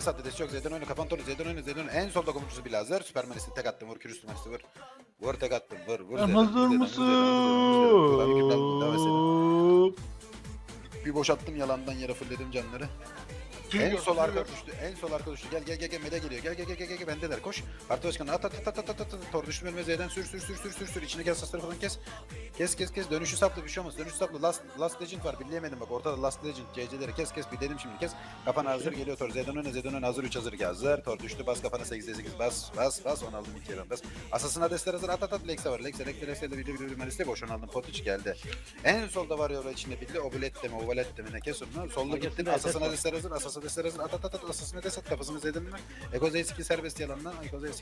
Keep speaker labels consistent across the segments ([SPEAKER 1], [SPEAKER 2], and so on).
[SPEAKER 1] Des attı. Des yok. Z'den oyna. Kafan torlu. Z'den oyna. Z'den oyna. En solda komutçusu bir lazer. Süpermenisi tek attım. Vur. Kürüstü menisi vur. Vur tek attım. Vur. Vur Z'den.
[SPEAKER 2] Hazır
[SPEAKER 1] Vur Z'den.
[SPEAKER 2] mısın?
[SPEAKER 1] Vur Z'den. Vur Z'den. Vur Z'den. Vur. Abi kürünü aldım. Devam etseydin. Bir boşalttım yalandan yere fullledim canları. En sol arka düştü. En sol arka düştü. Gel gel gel gel mede geliyor. Gel gel gel gel gel bendeler. Koş. Parti başkanı at at at at at at. Tor düştü önüme Z'den sür. İçine gel sasları falan kes. Kes. Dönüşü saplı bir şey olmaz. Dönüşü saplı. Last Legend var. Birleyemedim bak. Ortada Last Legend. CC'leri kes. Bir dedim şimdi kes. Kafana hazır geliyor Tor. Z'den öne hazır 3 hazır ki hazır. Tor düştü. Bas kafana 8'de 8 bas. Onu aldım 2 bas. Asasına destler hazır at. Lex'e var. Lex'e bir maliste boş. Onu aldım. Potiç geldi. En solda var ya içinde birli. Obulet deme. Ovalet deme. Ne kes onu. Solda gittin. Asasına destler hazır. Asasına destler hazır. At. Asasına des at. Kafasını Z'den mi? Eko Z2 serbest yalandan.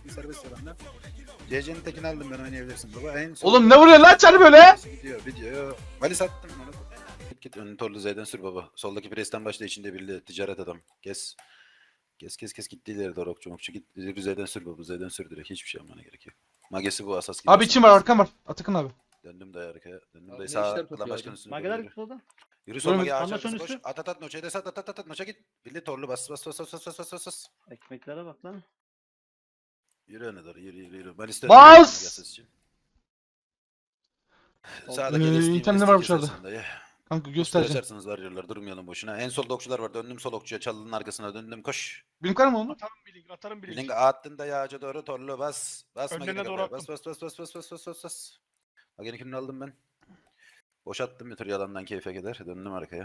[SPEAKER 1] CC'nin tekini aldım ben oynayabilirsin baba. En son...
[SPEAKER 2] Oğlum ne vuruyor lan çarı böyle?
[SPEAKER 1] Gidiyor. Valis attım onu. Git önünü torlu Z'den sür baba. Soldaki presten başla içinde birli ticaret adam. Kes gitti ileri doğru okçu git. Z'den sür baba. Z'den sür direkt. Hiçbir şey yapmana gerek yok. Magesi bu asas gibi.
[SPEAKER 2] Abi içim var arkam var. Atakan abi.
[SPEAKER 1] Döndüm daya arkaya. Döndüm
[SPEAKER 3] Abi
[SPEAKER 1] daya
[SPEAKER 3] ne
[SPEAKER 1] sağa.
[SPEAKER 3] işler
[SPEAKER 1] Klan
[SPEAKER 3] tutuyor
[SPEAKER 1] başkanı
[SPEAKER 3] abi?
[SPEAKER 1] üstüne
[SPEAKER 3] Mageler
[SPEAKER 1] yürü.
[SPEAKER 3] bir solda.
[SPEAKER 1] Yürü sol mage
[SPEAKER 3] Anla
[SPEAKER 1] ağaç
[SPEAKER 3] son
[SPEAKER 1] koş.
[SPEAKER 3] üstü.
[SPEAKER 1] At noçaya des at noça git. Birli torlu bas.
[SPEAKER 3] Ekmeklere bak lan.
[SPEAKER 1] Yürü öne doğru yürü. Ben istedim.
[SPEAKER 2] Bas!
[SPEAKER 1] Sağda gelirsin.
[SPEAKER 2] İtemler var dışarıda. Kanka göstereceğim.
[SPEAKER 1] Açarsınız varıyorlar durmayalım boşuna. En solda okçular var. Döndüm sol okçuya çalının arkasına döndüm koş.
[SPEAKER 2] Benim var mı onun?
[SPEAKER 4] Atarım bir link.
[SPEAKER 1] Bilin attın da yağaca doğru torlu bas. Basma
[SPEAKER 4] Önlerine
[SPEAKER 1] gene
[SPEAKER 4] doğru
[SPEAKER 1] kapıya. Bas. Bak yine kürünü aldım ben. Boşattım bir tur yalandan keyfe gider. Döndüm arkaya.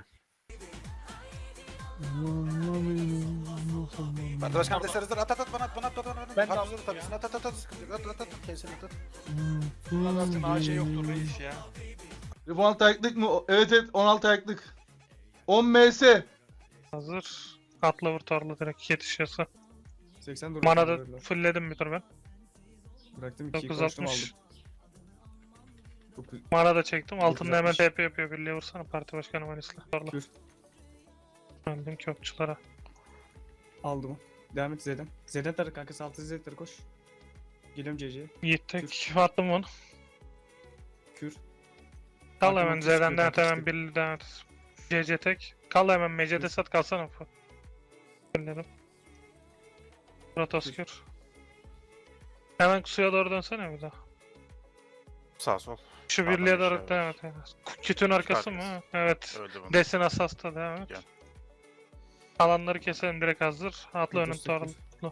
[SPEAKER 1] Parti başkanı desteriz at bana at.
[SPEAKER 4] Ben de
[SPEAKER 1] Parti
[SPEAKER 4] aldım
[SPEAKER 1] tabii at. Kesin at.
[SPEAKER 4] Zaten AC yoktur reis ya.
[SPEAKER 2] 16 ayaklık mı? Evet 16 ayaklık. 10 MS.
[SPEAKER 5] Hazır. Atla vur torlu direkt yetişiyorsa.
[SPEAKER 6] 80
[SPEAKER 5] Mana da fullledim bir tur ben.
[SPEAKER 6] Bıraktım 2'yi
[SPEAKER 5] 960.
[SPEAKER 6] aldım.
[SPEAKER 5] Mana da çektim. Altında hemen
[SPEAKER 6] 960.
[SPEAKER 5] TP yapıyor. Birliğe vursana parti başkanı Manis'le. Torlu.
[SPEAKER 6] Kür.
[SPEAKER 5] Öldüm kökçülara.
[SPEAKER 6] Aldım. Devam et Z'den. Z'den tarı kanka saltı Z'den koş. Geliyorum CC'ye.
[SPEAKER 5] Yiğit tek. Attım onu.
[SPEAKER 6] Kür.
[SPEAKER 5] Kal
[SPEAKER 6] Hakim
[SPEAKER 5] hemen
[SPEAKER 6] otuz
[SPEAKER 5] Z'den
[SPEAKER 6] kür,
[SPEAKER 5] denet hemen
[SPEAKER 6] otuz kür.
[SPEAKER 5] birli denet. CC tek. Kal hemen MC'de sat kalsana. Fulledim. Protoskür. Hemen suya doğru dönsene bir daha.
[SPEAKER 7] Sağ sol.
[SPEAKER 5] Şu
[SPEAKER 7] Pardon,
[SPEAKER 5] birliğe doğru
[SPEAKER 7] aşağı
[SPEAKER 5] devam et. Kütün arkası mı?
[SPEAKER 7] Arkası.
[SPEAKER 5] Evet.
[SPEAKER 7] Öldü bunu.
[SPEAKER 5] Desin asasta devam et.
[SPEAKER 7] Gel.
[SPEAKER 5] Alanları keselim direkt hazır. Atla önüm
[SPEAKER 6] Otuz sekiz.
[SPEAKER 5] torlu.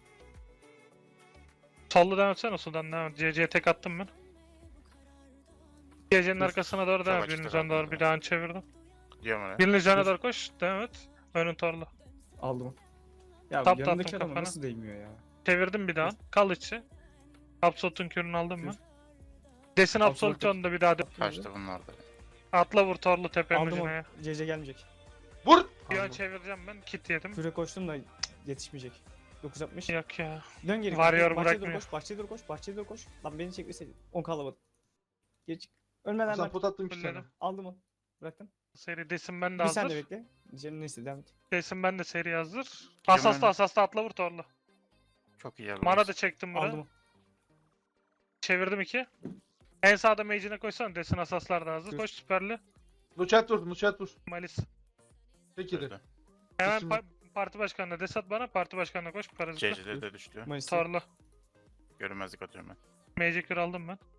[SPEAKER 5] Sollu devam etsene soldan devam et. CC'ye tek attım ben. CC'nin arkasına doğru devam et.
[SPEAKER 7] Çok
[SPEAKER 5] Birinin
[SPEAKER 7] açıkta
[SPEAKER 5] üzerine doğru
[SPEAKER 7] kaldım
[SPEAKER 5] bir daha çevirdim.
[SPEAKER 7] Diyorum öyle.
[SPEAKER 5] Birinin üzerine
[SPEAKER 6] Dur.
[SPEAKER 5] doğru koş. Devam et. Önün torlu.
[SPEAKER 6] Aldım. Ya
[SPEAKER 5] Tap da
[SPEAKER 6] yanındaki
[SPEAKER 5] attım
[SPEAKER 6] adama
[SPEAKER 5] kafana.
[SPEAKER 6] nasıl değmiyor ya?
[SPEAKER 5] Çevirdim bir daha. Kal içi. Absolut'un kürünü aldım ben.
[SPEAKER 6] Kür.
[SPEAKER 5] Desin
[SPEAKER 6] Absolut
[SPEAKER 5] Absolut önünde bir daha.
[SPEAKER 7] Kaçtı bunlar da.
[SPEAKER 5] Atla vur torlu tepenin
[SPEAKER 6] Aldım
[SPEAKER 5] ucuna ya.
[SPEAKER 6] onu. CC gelmeyecek.
[SPEAKER 2] Vur.
[SPEAKER 5] Bir an
[SPEAKER 6] Aldım.
[SPEAKER 5] çevireceğim ben. Kit yedim.
[SPEAKER 6] Küre koştum da yetişmeyecek. 960.
[SPEAKER 5] Yok ya.
[SPEAKER 6] Dön geri.
[SPEAKER 5] Varıyor,
[SPEAKER 6] Bahçeye doğru
[SPEAKER 5] bırakmıyor.
[SPEAKER 6] koş. Bahçeye doğru koş. Lan beni çekmeseydin. 10 kalamadım. Geç. Ölmeden
[SPEAKER 2] Sen
[SPEAKER 6] ben
[SPEAKER 2] pot attım 2 tane.
[SPEAKER 5] Fulledim.
[SPEAKER 6] aldım onu. Bıraktım.
[SPEAKER 5] Seri desin ben de
[SPEAKER 6] Bir sen de
[SPEAKER 5] hazır.
[SPEAKER 6] bekle. Diyeceğim neyse devam et.
[SPEAKER 5] Desin ben de seri hazır.
[SPEAKER 7] Hemen-
[SPEAKER 5] Asasta atla vur torlu.
[SPEAKER 7] Çok iyi
[SPEAKER 5] Mana da çektim buraya.
[SPEAKER 6] Aldım onu.
[SPEAKER 5] Çevirdim 2. En sağda mage'ine koysana. Desin asaslar da hazır.
[SPEAKER 6] Dur.
[SPEAKER 5] Koş süperli.
[SPEAKER 2] Nuchat vur.
[SPEAKER 5] Malis.
[SPEAKER 2] Peki de.
[SPEAKER 7] Öldü.
[SPEAKER 5] Hemen
[SPEAKER 2] Şimdi-
[SPEAKER 5] parti başkanına desat bana. Parti başkanına koş. Parazitle.
[SPEAKER 7] CC'de de düştü.
[SPEAKER 6] Mayıs'ta.
[SPEAKER 5] Torlu.
[SPEAKER 7] Görünmezlik atıyorum ben.
[SPEAKER 5] Mage kür aldım ben.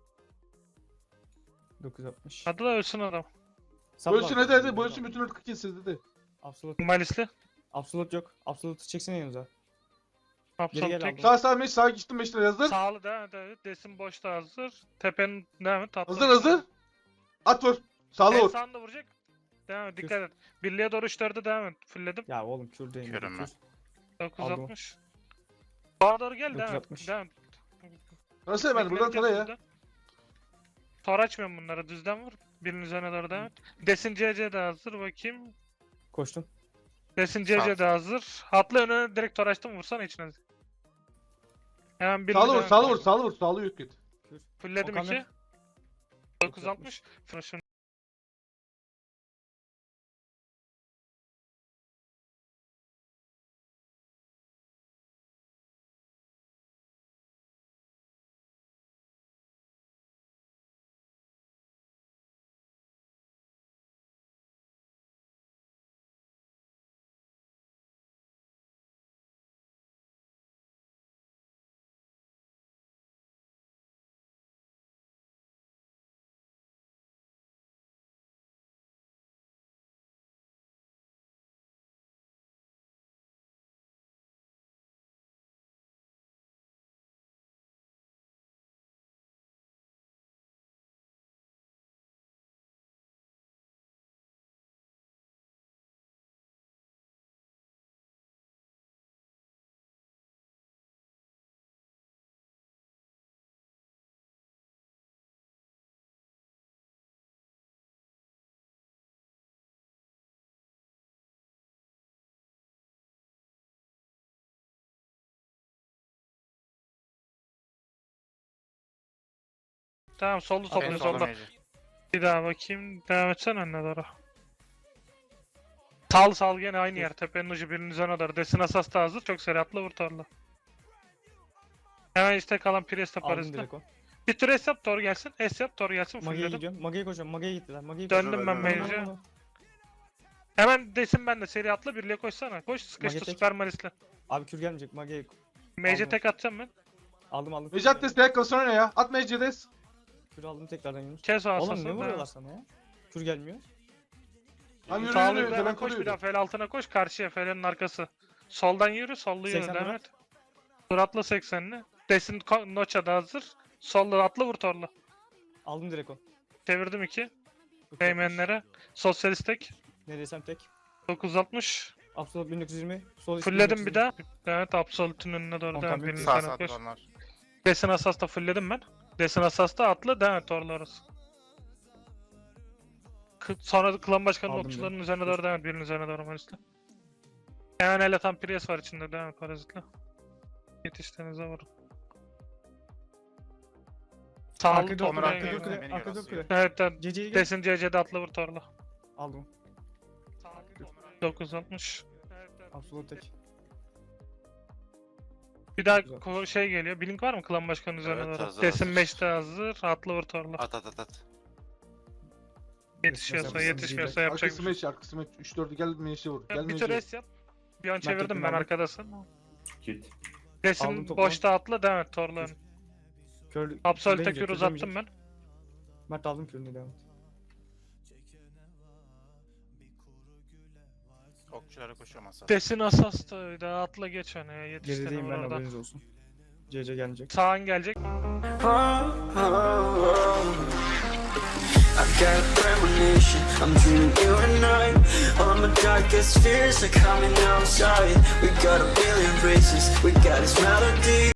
[SPEAKER 6] 960.
[SPEAKER 5] Hadi da ölsün adam.
[SPEAKER 2] Bölsün hadi. Bölsün bütün ırkı kesin hadi.
[SPEAKER 6] Absolut.
[SPEAKER 5] Malisli.
[SPEAKER 6] Absolut yok. Absolut'u çeksene yanınıza.
[SPEAKER 5] Absolut
[SPEAKER 6] gel
[SPEAKER 5] tek.
[SPEAKER 6] aldım.
[SPEAKER 2] Sağ meş sağa geçtim 5 lira hazır.
[SPEAKER 5] Sağlı devam et. Desin boşta hazır. Tepenin devam et. Atla.
[SPEAKER 2] Hazır. At vur. Sağlı
[SPEAKER 5] En
[SPEAKER 2] vur.
[SPEAKER 5] sağında vuracak. Devam et. Dikkat et. Birliğe doğru 3-4'e devam et. Fullledim.
[SPEAKER 6] Ya oğlum kür değil.
[SPEAKER 7] Körüm ben.
[SPEAKER 5] 960. Bana doğru gel. Devam et.
[SPEAKER 6] 960.
[SPEAKER 5] Devam et.
[SPEAKER 2] Nasıl ben buradan tara ya.
[SPEAKER 5] Tor açmıyorum bunları. Düzden vur. Birinin üzerine doğru devam et. Desin CC de hazır. Bakayım.
[SPEAKER 6] Koştum.
[SPEAKER 5] Desin CC de hazır. Atla önüne direkt tor açtım. Vursana içine. Hemen birinin
[SPEAKER 2] Sağlı
[SPEAKER 5] üzerine-
[SPEAKER 2] vur. Sağlı yok git.
[SPEAKER 5] Fullledim
[SPEAKER 6] Okan
[SPEAKER 5] 2.
[SPEAKER 6] ver.
[SPEAKER 5] 960. Fırışın. Tamam sollu
[SPEAKER 7] En
[SPEAKER 5] topluyor
[SPEAKER 7] solda
[SPEAKER 5] solda.
[SPEAKER 7] mage.
[SPEAKER 5] Bir daha bakayım. Devam etsene önüne doğru. Sal gene aynı yer. Tepenin ucu birinin üzerine doğru. Desin asas da hazır. Çok seri atla vur torla. Hemen işte kalan Priest'e
[SPEAKER 6] Aldım
[SPEAKER 5] parazit'le.
[SPEAKER 6] direkt o.
[SPEAKER 5] Bir tur S yap Tor gelsin. S yap Tor gelsin.
[SPEAKER 6] Mage'ye
[SPEAKER 5] Fullledim.
[SPEAKER 6] gidiyorum. Mage'ye koşuyorum. Mage'ye gittiler. Mage'ye
[SPEAKER 5] Döndüm ben
[SPEAKER 1] Koşuyorum,
[SPEAKER 5] mage'e.
[SPEAKER 6] koşuyorum.
[SPEAKER 5] Hemen desin ben de seri atla birliğe koşsana. Koş sıkıştı
[SPEAKER 6] Mage
[SPEAKER 5] süper marisle.
[SPEAKER 6] Abi kür gelmeyecek. Mage'ye
[SPEAKER 5] Mage'e
[SPEAKER 6] Aldım.
[SPEAKER 5] tek atacağım ben.
[SPEAKER 6] aldım.
[SPEAKER 2] Mecat destek kal sonra ne ya? At Mecat'ı des.
[SPEAKER 6] Kür aldım tekrardan Yunus.
[SPEAKER 5] Kes o asası.
[SPEAKER 6] Oğlum ne vuruyorlar sana ya? Kür gelmiyor.
[SPEAKER 2] Tam yürü
[SPEAKER 5] Sağlı
[SPEAKER 2] yürü.
[SPEAKER 5] bir hemen
[SPEAKER 2] Hemen
[SPEAKER 5] koş bir
[SPEAKER 2] koruyor.
[SPEAKER 5] daha fel altına koş. Karşıya felin arkası. Soldan yürü sollu yürü
[SPEAKER 6] 80
[SPEAKER 5] devam
[SPEAKER 6] lira.
[SPEAKER 5] et. Tur atla 80'li. Desin Nocha da hazır. Sollu atla vur torla.
[SPEAKER 6] Aldım direkt o.
[SPEAKER 5] Çevirdim 2.
[SPEAKER 6] Kür yapmış.
[SPEAKER 5] Beymenlere. Sosyalist tek.
[SPEAKER 6] Nereysem tek.
[SPEAKER 5] 960.
[SPEAKER 6] Absolut 1920. Sol üst
[SPEAKER 5] Fullledim
[SPEAKER 6] 1920.
[SPEAKER 5] bir daha. Evet Absolute'un önüne doğru
[SPEAKER 6] Tamam,
[SPEAKER 5] devam.
[SPEAKER 6] tamam.
[SPEAKER 5] Birinin
[SPEAKER 7] Sağ
[SPEAKER 5] üzerine
[SPEAKER 7] sağ
[SPEAKER 5] koş.
[SPEAKER 7] onlar.
[SPEAKER 5] Desin Asas'ta fullledim ben. Desin Asas'ta atla devam et torla orası. Sonra klan başkanının
[SPEAKER 6] Aldım
[SPEAKER 5] okçularının
[SPEAKER 6] ben.
[SPEAKER 5] üzerine doğru devam et. Birinin üzerine doğru Maris'le. Hemen el atan Prius var içinde devam et parazitle. Yetiştiğinize vurun. Sağlı
[SPEAKER 6] Arka dört
[SPEAKER 5] toplamaya
[SPEAKER 6] kule. Arka
[SPEAKER 5] geliyor.
[SPEAKER 6] dört kule.
[SPEAKER 7] Beni
[SPEAKER 6] Arka dört
[SPEAKER 7] yarasıyor.
[SPEAKER 6] kule.
[SPEAKER 5] Evet evet.
[SPEAKER 6] CC'yi gel.
[SPEAKER 5] Desin CC'de atla vur torla.
[SPEAKER 6] Aldım.
[SPEAKER 5] 960.
[SPEAKER 6] Absolut tek.
[SPEAKER 5] Bir daha
[SPEAKER 6] Güzel.
[SPEAKER 5] şey geliyor. Blink var mı klan başkanının üzerine
[SPEAKER 3] Evet,
[SPEAKER 5] doğru?
[SPEAKER 3] hazır,
[SPEAKER 5] Desin
[SPEAKER 3] hazır.
[SPEAKER 5] 5'te hazır. Atla vur torla.
[SPEAKER 3] At at at at.
[SPEAKER 5] Yetişiyorsa
[SPEAKER 6] Mesela
[SPEAKER 5] yetişmiyorsa yapacak
[SPEAKER 2] Arkası
[SPEAKER 5] bir şey.
[SPEAKER 2] meç, arkası meç. 3-4'ü gel Meç'e vur. Gel
[SPEAKER 5] Bir tur
[SPEAKER 2] Meç'e.
[SPEAKER 5] S yap. Bir an
[SPEAKER 6] Ben
[SPEAKER 5] çevirdim
[SPEAKER 6] tektim
[SPEAKER 5] ben
[SPEAKER 6] aldım.
[SPEAKER 5] arkadasın.
[SPEAKER 6] Aldım
[SPEAKER 5] Desin
[SPEAKER 6] topu.
[SPEAKER 5] boşta atla devam et torla.
[SPEAKER 6] Kör.
[SPEAKER 5] Absolute
[SPEAKER 6] Kür
[SPEAKER 5] kür
[SPEAKER 6] demeyecek,
[SPEAKER 5] uzattım ben.
[SPEAKER 6] Mert aldım kürünü devam et.
[SPEAKER 7] Okçulara koşuyorum asas.
[SPEAKER 5] Desin asasta bir daha atla geç öne ya yetiştiğini
[SPEAKER 6] Gerideyim
[SPEAKER 5] vur
[SPEAKER 6] ben
[SPEAKER 5] orada.
[SPEAKER 6] haberiniz olsun. CC gelecek.
[SPEAKER 5] Sağın gelecek.
[SPEAKER 8] I got a premonition, I'm dreaming you and I. All my darkest fears are coming outside. We got a billion races, we got this melody.